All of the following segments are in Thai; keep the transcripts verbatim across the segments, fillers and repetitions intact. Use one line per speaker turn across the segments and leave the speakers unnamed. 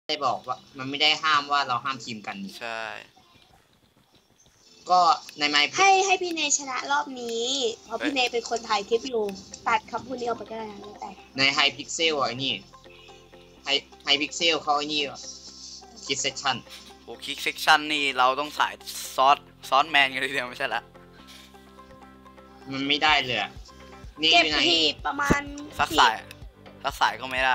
ได้บอกว่ามันไม่ได้ห้ามว่าเราห้ามทีมกัน
ใช่
ก็ในไม
ให้ให้พี่เนชนะรอบนี้เพราะพี่เนเป็นคนถ่ายคลิปอยู่ตัดคำพูดนี้ออกไปก็ได้นะแต่
ในไฮพิกเซลไอ้นี่ไฮไฮพิกเซลเขาไอ้นี่คิดเซสชั่น
โอ้คิกเซสชั่นนี่เราต้องสายซอสซอสแมนกันเลยเดียวไม่ใช่ละ
มันไม่ได้เลย
นี่เก็บหีบประมาณ
สักสายสักสายก็ไม่ได้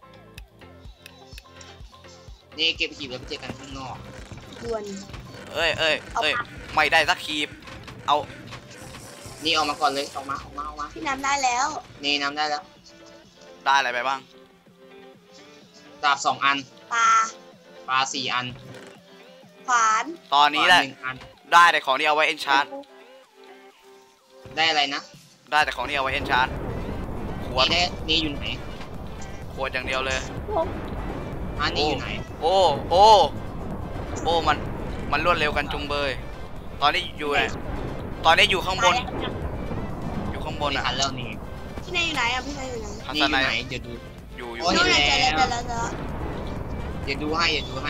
นี่เก็บหีบแล้วไปเจอกันข้างนอก
ด่วน
เอ้ยเอ้ยเอ้ยไม่ได้สักหีบเอา
นี่ออกมาก่อนเลยออกมาออกมาออกมา
พี่น้ำได้แล้ว
นี่น้ำได้แล้ว
ได้อะไรไปบ้าง
ดาบสองอัน
ปลา
ปลาสี่อัน
ขวาน
ตอนนี้ได้ได้แต่ของที่เอาไว้เอนชาร์ด
ได้อะไรนะ
ได้แต่ของที่เอาไว้เอนชาร์ดขวด
นี่นี่อยู่ไหน
ขวดอย่างเดียวเลย
อันนี้อยู่ไหน
โอ้โอ้โอ้มันมันรวดเร็วกันจุงเบยตอนนี้อยู่ไหนตอนนี้อยู่ข้างบนอยู่ข้างบนอ่ะ
ทันแล้วนี่
พี่นายอยู่ไหนอ่ะพี่นายอยู่ไหน
นี่อยู่ไหนเดี๋ยวดู
อยู่อยู่
นู่นเลยเจอแล้วเจอแล้ว
เดี๋ยวดูให้เดี๋ยวดูให้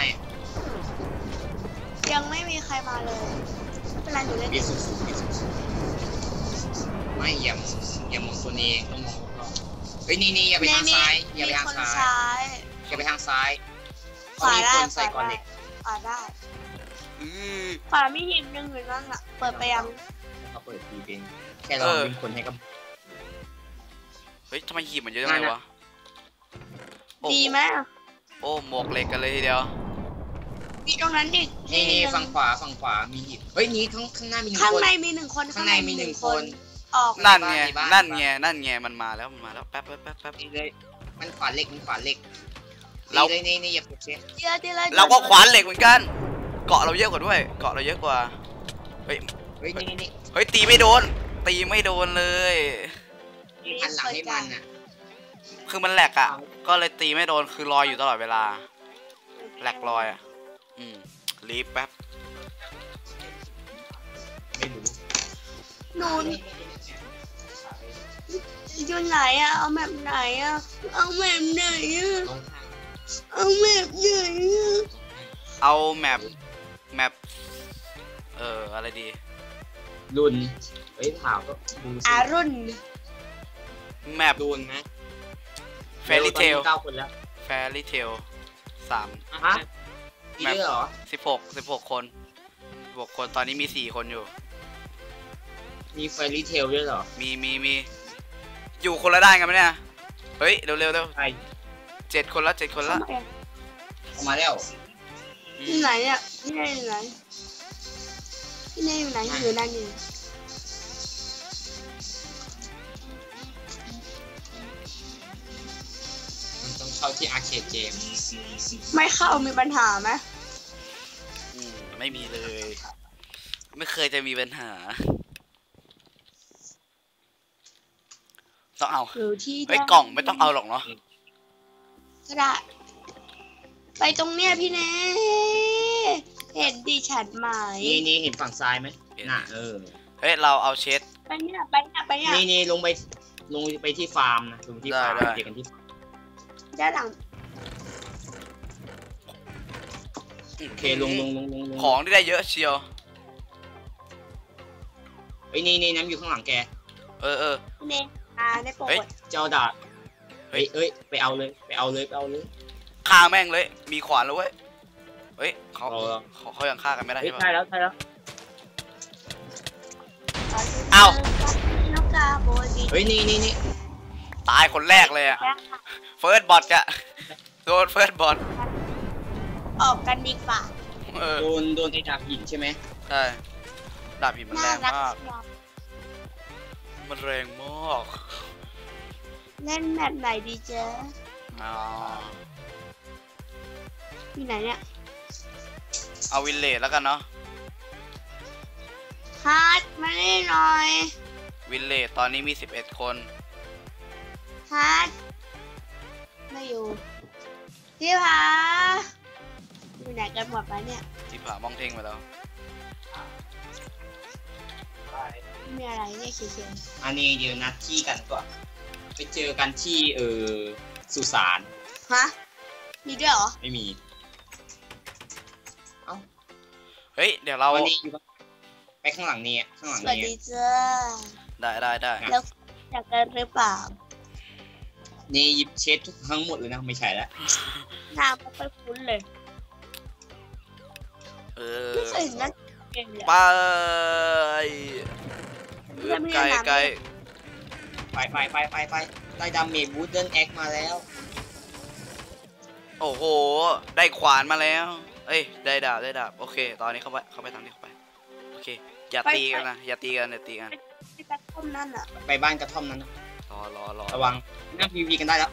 ยังไม่มีใครมาเลยเป็นไรหนูเล่น
มีสุดมีสุดไม่อย่าอย่ามองตัวนี้ต้องมองรอบเฮ้ยนี่นี่อย่าไปทางซ้ายอย่าไปทางซ้ายอย่าไปทางซ้าย
ขวาได้
ใส่ก่อนเหล็ก
ขวาได้ขวาไม่หิมยังอยู่นั่นอ่ะเปิดไปยัง
เขาเปิดทีเป็นแค่เราเป็นคนให้กับ
เฮ้ยทำไมหีบมันเยอะจังเลยวะ
ดีไหม
โอ้หมวกเหล็กกันเลยทีเดียว
มีตรงนั้นดิ
นี่นี่ฝั่งขวาฝั่งขวามีหีบเฮ้ยนี้ข้างข้างหน้ามีหนึ่งคน
ข้างในมีหนึ่งคน
ข้างในมีหนึ่งคน
ออก
นั่นไงนั่นไงนั่นไงมันมาแล้วมันมาแล้วแป๊บแป๊บแป๊บแป๊บ
นี่เลยมันขวานเหล็กมันขวานเหล็กเราเลยนี่นี่อย่าเพิ่งเช็
คเราก็ขวานเหล็กเหมือนกันเกาะเราเยอะกว่าด้วยเกาะเราเยอะกว่าเฮ้ย
เฮ้ยนี่นี่
เฮ้ยตีไม่โดนตีไม่โดนเลย
หันหลังให้มันอ่ะ
คือมันแหลกอ่ะก็เลยตีไม่โดนคือลอยอยู่ตลอดเวลาแหลกลอยอ่ะอืมรีบแป๊บ
ไม่รู้
นูนอยู่ไหนอะเอาแบบไหนอะเอาแบบไหนอะเอาแบบไหนอะ
เอาแมปแมปเอออะไรดี
รุ่นเฮ้ยถามก็ดูสิ
อารุ่น
แมป
รุ่นนะ
แฟรี่เทล
เก้าคนแล้ว
แฟรี่เทลสาม
ฮะมีเยอะเหรอ
สิบหกสิบหกคนสิบหกคนตอนนี้มีสี่คนอยู่
มีแฟรี่เทลด้วยเหรอ
มีมีมีอยู่คนละด้านกันไหมเนี่ยเฮ้ยเร็วเร็วเร็วเจ็ดคนละเจ็ดคนละ
ออกมาแล้ว
ที่ไหนเนี่ยที่ไหนอยู่ไหนที่ไหนอยู่ไหนอยู่นั่นอยู่
มันต้องเข้าที่อาร์เคดเกม
ไม่เข้ามีปัญหาไหม
อืมไม่มีเลยไม่เคยจะมีปัญหาต้องเอาเฮ้ยกล่องไม่ต้องเอาหรอกเนาะ
ก็ได้ไปตรงเนี้ยพี่เน่เห็นดิฉันไหม
นี่นี่เห็นฝั่งซ้ายไหมน่ะเออ
เฮ้ยเราเอาเช็ด
ไปเนี่ยไปเนี่ยไปเนี่ย
นี่นี่ลงไปลงไปที่ฟาร์มนะลงที่ฟาร์มเจอกันที่
ด้านหลัง
โอเคลงลงลงลง
ของที่ได้เยอะเชียว
ไอ้นี่นี่น้ำอยู่ข้างหลังแก
เออเออ
เน่อ่าในโปรด
เจ้าดาบเฮ้ยเอ้ยไปเอาเลยไปเอาเลยไปเอาเลย
ฆ่าแม่งเลยมีขวานแล้วเว้ยเฮ้ยเขาเขาเขายังฆ่ากันไม่ได้ใช่ไหม
ใช่แล้วใช่แล้ว
เอา
เฮ้ยนี่นี่นี่
ตายคนแรกเลยอะเฟิร์สบอทจะโดนเฟิร์สบอท
ออกกันดีกว่า
โดนโดนไอ้ดาบหินใช่ไหม
ใช่ดาบหินมันแรงมากมันแรงมาก
เล่นแบบไหนดีเจ๊
อ๋อ
ที่ไหนเนี่ย
เอาวิลเลจแล้วกันเนาะ
ฮาร์ดมาได้หน่อย
วิลเลจตอนนี้มีสิบเอ็ดคน
ฮาร์ดไม่อยู่พี่ผาอยู่ไหนกันหมดแล้วเนี่ย
ที่ผามองเท่งไปแล้ว
มีอะไรเนี่ยเขียน
อันนี้เดี๋ยวนัดที่กันก่อนไปเจอกันที่เออสุสาน
ฮะมีด้วยเหรอ
ไม่มี
เฮ้ยเดี๋ยวเรา
วันนี้อยู่ไปข้างหลังนี่ข้างหลัง
สวัส
นี่
ดีจ้า
ได้ได้ได้
แล้วอยากกันหรือเปล่า
นี่หยิบเช็ดทุกทั้งหมดเลยนะไม่ใช่แล้ว
หน้าไม่ค่อยคุ้นเลย
เออ
ไม่เคยเห็นหน้าเกมเลย
ไปเออไกลไกล
ไปไปไปไปไปได้ดาเมจบูสเดิลแอคมาแล้ว
โอ้โหได้ขวานมาแล้วเอ้ยได้ดาบได้ดาบโอเคตอนนี้เข้าไปเข้าไปทางนี้เข้าไปโอเคอย่าตีกันนะอย่าตีกันอย่าตีกัน
ที่กระท่อมนั่นอ่ะ
ไปบ้านกระท่อมนั้นนะ
รอรอรอ
ระวังนั่งพีวีกันได้แล้ว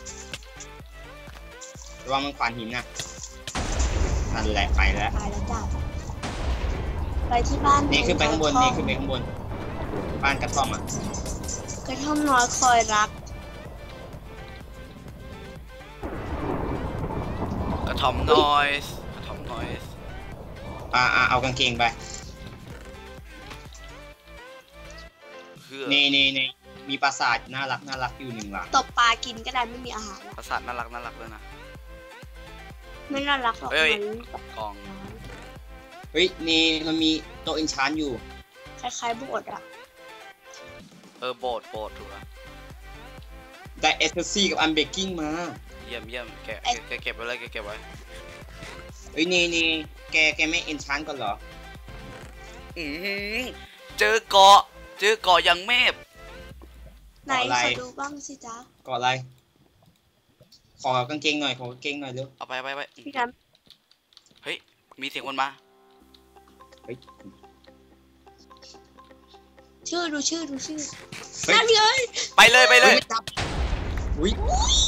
ระวังมันขวานหินนะนั่นแหละไปแล้ว
ตายแล้วจ้าไปที่บ้าน
นี่ขึ้นไปข้างบน
กระท่อ
นี่
ม
ขึ้นไปข้างบนบ้านกระท่อมอ่ะ
กระท่อมน้อยคอยรัก
กระถอมนอยส์กระถอมนอยส์
อ่าอ่าเอากางเกงไป
เพื่อ
นี่นี่นี่มีปราสาทน่ารักน่ารักอยู่หนึ่งหลัง
ตบปลากินก็ได้ไม่มีอาหารแล้ว
ประสาทน่ารักน่ารักเลยนะ
ไม่น่ารักหรอก
เอ้ย
มัน
กอง
เฮ้ยนี่มันมีโต๊ะอินชานอยู่
คล้ายๆโบสถ์อ่ะ
เออโบดโบดถูกแล้ว
ได้เอสซีกับอันเบกกิ้งมา
เยี่ยมเยี่ยมแกะแกะเก็บไว้เลยแกะเก็บไว้
เฮ้ยนี่นี่แกแกไม่อินชานก่อนเหรอ
อือหือเจอเกาะเจอเกาะยังเมฟ
ไหน
อะไร
ขอดูบ้างสิจ๊ะ
ก่อนอะไร ขอกางเกงหน่อยขอกางเกงหน่อยเร็ว
เอาไปไปไป
พี่น้ำ
เฮ้ยมีเสียงคนมา
เฮ้ย
ชื่อดูชื่อดูชื่อ
เฮ้ย
นั่นเลย
ไปเลยไปเลย
ฮ้จับอุ้ย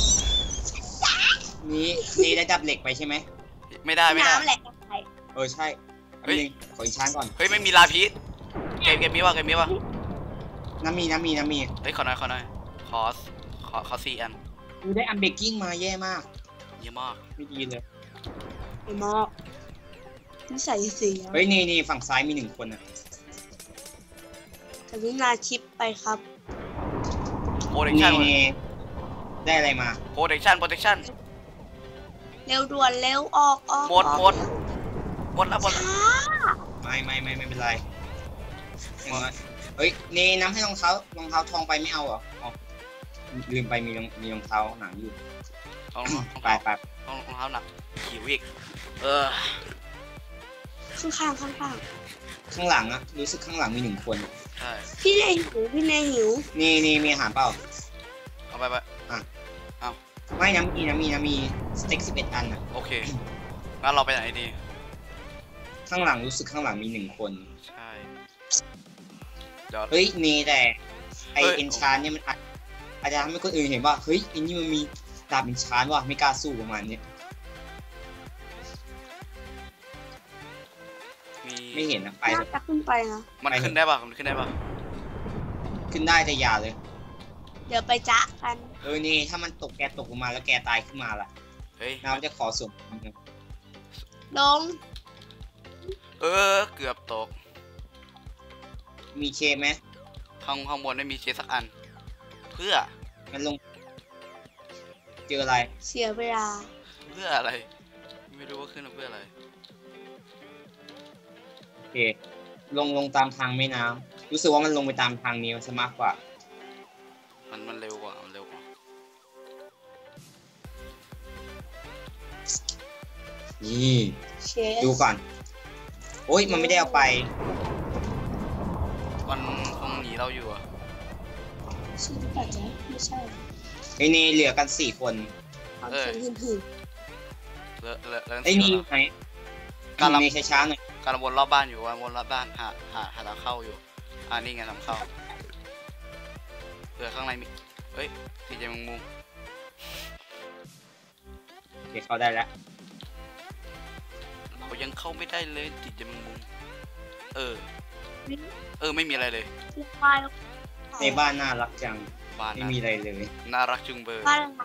นี่นี่ได้จับเหล็กไปใช่ไหม
ไม่ได้ไม่ได้
น้ำแหละใคร
เออใช่
เฮ้ย
นึงขออินชานก่อน
เฮ้ยไม่มีลาพิษเก็บเก็บมีวะเก็บมีวะ
น้ำมีน้ำมีน้ำมี
เฮ้ยขอหน่อยขอหน่อยขอขอขอสี่อัน
ดูได้อันเบกกิ้งมาแย่มาก
เยอะมาก
ไม่ดีเลย
ไอ้หมอกนิสัยเสีย
เฮ้ยนี่นี่ฝั่งซ้ายมีหนึ่งคนอ่ะ
กรุณาชิปไปครับ
โปรเทค
นี่
ชั่น
นี่ได้อะไรมา
โปรเทคชั่นโปรเทคชั่น
เร็วด่วนเร็วออกออก
หมด
ออก
หมด หมดแล้วหมดแล้ว
ช้า
ไม่ไม่ไม่ไม่เป็นไรอย่างน้อยเฮ้ยนี่น้ำให้รองเท้ารองเท้าทองไปไม่เอาเหรออ๋อลืมไปมีรองมีรองเท้าหนังอยู่
รองรอง
ไป
เท้า
ไป
รองรองเท้าหนักหิวอีกเออ
ข้างข้างข้างข้าง
ข้างหลังอะรู้สึกข้างหลังมีหนึ่งคน
ใช่
พี่เนยหิวพี่เนยหิว
นี่นี่มีอาหารเปล่า
เอาไปไป
ไม่น้ำมีน้ำมีน้ำมีสเต็กสิบเอ็ดอันอะ
โอเคงั้นเราไปไหนดี
ข้างหลังรู้สึกข้างหลังมีหนึ่งคน
ใช่เดี๋ยว
เฮ้ยนี่แต่ไอ
เฮ้ย
เอนชานเนี่ยมันอาจอาจจะทำให้คนอื่นเห็นว่าเฮ้ยอันนี้มันมีดาบเอนชานว่ะไม่กล้าสู้ประมาณเนี้ย
มี
ไม่เห็นนะไป
น่า
เลย
จะขึ้นไปนะ
มันขึ้นได้ป่ะมันขึ้นได้ป่ะ
ขึ้นได้แต่อย่าเลย
เดี๋ยวไปจ๊ะกัน
เออนี่ถ้ามันตกแกตกลงมาแล้วแกตายขึ้นมาล่ะ
เฮ้ย
น้ำจะขอส่วน
ลง
เออเกือบตก
มีเคไหม
ข้างข้างบนไม่มีเชสสักอัน เพื่อ
งั้นลง เจออะไร
เสียเวลา
เพื่ออะไร ไม่รู้ว่าขึ้นมาเพื่ออะไร
โอเค ลงลงตามทางแม่น้ำรู้สึกว่ามันลงไปตามทางนี้ซะมากกว่า
มันมันเร็วกว่ามันเร็วกว่า
นี่
เชส
ดูก่อน โอ้ยมันไม่ได้เอาไป
มันคงหนีเราอยู่อะ
ชื่อหรือเปล่าจ๊ะไม่ใช่
ไอ้นี่เหลือกันสี่คน
ความเสียงหื่น
เลอะเลอะเลอะ
ไอ้นี่อยู่ไหนการลำช้าๆหน่อย
การวนรอบบ้านอยู่ว่าวนรอบบ้านหาหาหาทางเข้าอยู่อ่านี่ไงทางเข้าเผื่อข้างในมีเฮ้ยสีเจมงมุม
โอเคเข้าได้แล้ว
เรายังเข้าไม่ได้เลยสีเจมงมุมเออ
ๆ
เออไม่มีอะไรเลย
ลูกบ้าน
ในบ้านน่ารักจัง
บ้าน
ไม่
นะ
มีอะไรเลย
น่ารักจุงเบอร์
บ้านเรา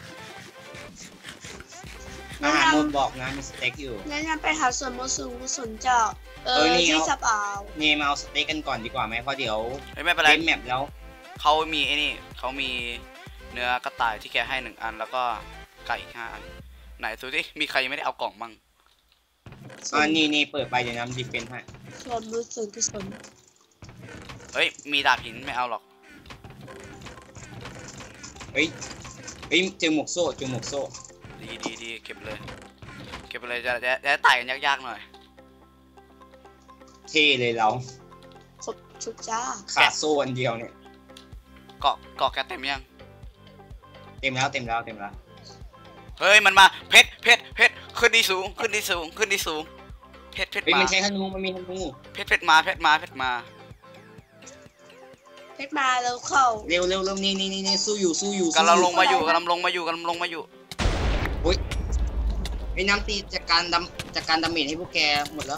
อาหารหมดบอกนะมีสเต็กอยู่
แนะนำไปหาส่วนมสูงสนเจ้าเอ
เอ
อ
อนี่
ที่
เอา
สับเอา
เนมาเอาสเต็กกันก่อนดีกว่าไหมเพราะเดี๋ยว
เฮ้ยไม่เป็นไร
เล่นแมปแล้ว
เขามีไอ้นี่เขามีเนื้อกระต่ายที่แกให้หนึ่งอันแล้วก็ไก่อีกห้าอันไหนดูสิมีใครยังไม่ได้เอากล่องมั่ง
อ่านี่นี่เปิดไปเดี๋ยวน้ำดีเฟนให้
ส่วนบุญส่วนกุศล
เฮ้ยมีดาบหินไม่เอาหรอก
เฮ้ยเฮ้ยเจอหมวกโซ่เจอหมวกโซ่
ดีดีดีเก็บเลยเก็บไปเลยจะจะจะไต่กันยากๆหน่อย
เท่เลยเรา
ครบชุดจ้า
ขาดโซ่อันเดียวเนี่ย
เกาะเกาะแกเต็มยัง
เต็มแล้วเต็มแล้วเต็มแล้ว
เฮ้ยมันมาเพชรเพชรเพชรขึ้นที่สูงขึ้นที่สูงขึ้นที่สูงเพชรเพชร
เฮ้ย
มา
มันใช้ธนูมันมีธนู
เพชรเพชรมาเพชรมาเพชรมา
เพชรมาแล้วเข้า
เร็วเร็วเร็วนี่นี่นี่นี่สู้อยู่สู้อยู่
กำลังลงมาอยู่กำลังลงมาอยู่กำลังลงมาอยู่
ไอ้น้ำตีจากการดำจากการดาเมจให้พวกแกหมดแล้ว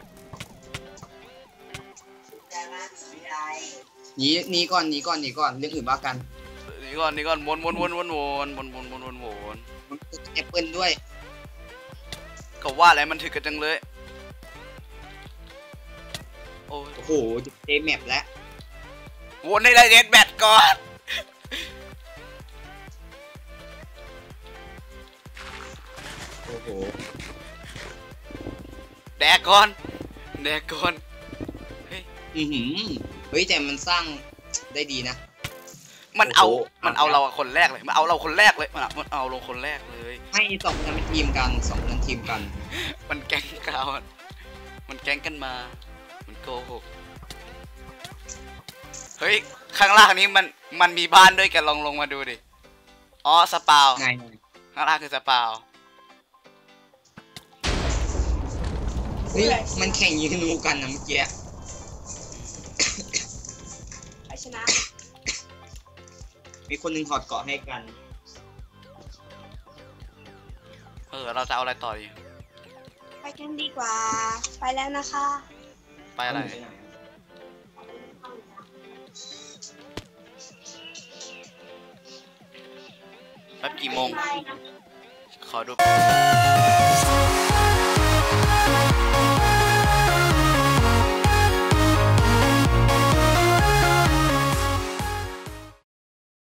หนีหนีก่อนหนีก่อนหนีก่อนเรื่องอื่นว่ากัน
นี่ก่อนนี่ก่อนวนวนวนวนวนวนวนวนวนวนวน
มันแอปเปิลด้วย
ก็ว่าอะไรมันถึกกันจังเลยโอ้ย
โอ้โหเจแมปแล้ว
วนให้ได้เดดแบตก่อน
โอ้โห
แดกก่อนแดกก่อนเฮ้ย
อือหือเฮ้ยแต่มันสร้างได้ดีนะ
มันเอา
โอ้โห
มันเอาเราคนแรกเลยมันเอาเราคนแรกเลยมันเอามันเอาลงคนแรกเลย
ให้สองคนนั้นเป็นทีมกันสองคนนั้นทีมกัน
มันแก๊งกันมันแก๊งกันมามันโกหกเฮ้ยข้างล่างนี้มันมันมีบ้านด้วยกันลองลงมาดูดิอ๋อสปาว
ไง
ข้างล่างคือสปาว
เฮ้ยมันแข่งยิงธนูกันนะเมื่อกี้
ไปชนะ
มีคนหนึงถอดเกราะให้กัน
เออเราจะเอาอะไรต่อดี
ไปกันดีกว่า ไปแล้วนะคะ
ไปอะไรแป๊บกี่โมงขอดู